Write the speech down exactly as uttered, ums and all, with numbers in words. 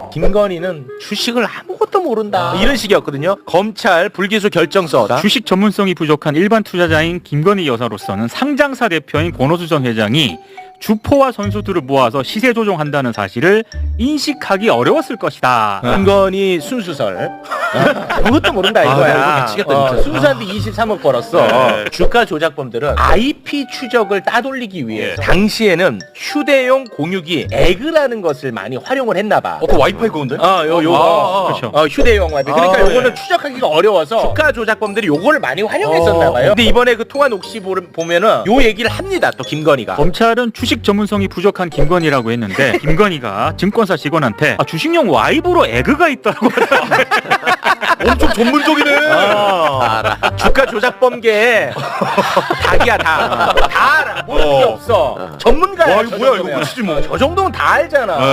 김건희는 주식을 아무것도 모른다. 이런 식이었거든요. 검찰 불기소 결정서. 주식 전문성이 부족한 일반 투자자인 김건희 여사로서는 상장사 대표인 권오수 전 회장이 주포와 선수들을 모아서 시세 조종한다는 사실을 인식하기 어려웠을 것이다. 김건희 순수설. 아무것도 모른다 이거야. 아, 이거 미치겠다, 어, 진짜. 순수한데 이십삼억 벌었어. 네. 주가 조작범들은 아이피 추적을 따돌리기 위해서 당시에는 휴대용 공유기 에그라는 것을 많이 활용을 했나 봐. 어, 그 와이파이 그건데? 어, 요, 요거. 아, 아, 그렇죠. 어, 휴대용 와이파이. 그러니까 아, 요거는 네. 추적하기가 어려워서 주가 조작범들이 요거를 많이 활용했었나 어. 봐요. 근데 이번에 그 통화 녹취 보- 보면은 요 얘기를 합니다. 또 김건희가. 검찰은 주식 전문성이 부족한 김건희라고 했는데 김건희가 증권사 직원한테 아, 주식용 와이브로 에그가 있다고 하더라고요. 엄청 전문적이네. 어, 주가 조작범계 닭이야 다. 다 알아. 모를 게 어. 없어. 전문가야. 와, 이거 저 뭐야, 정도면. 이거 끝이지 뭐. 저 정도면 다 알잖아.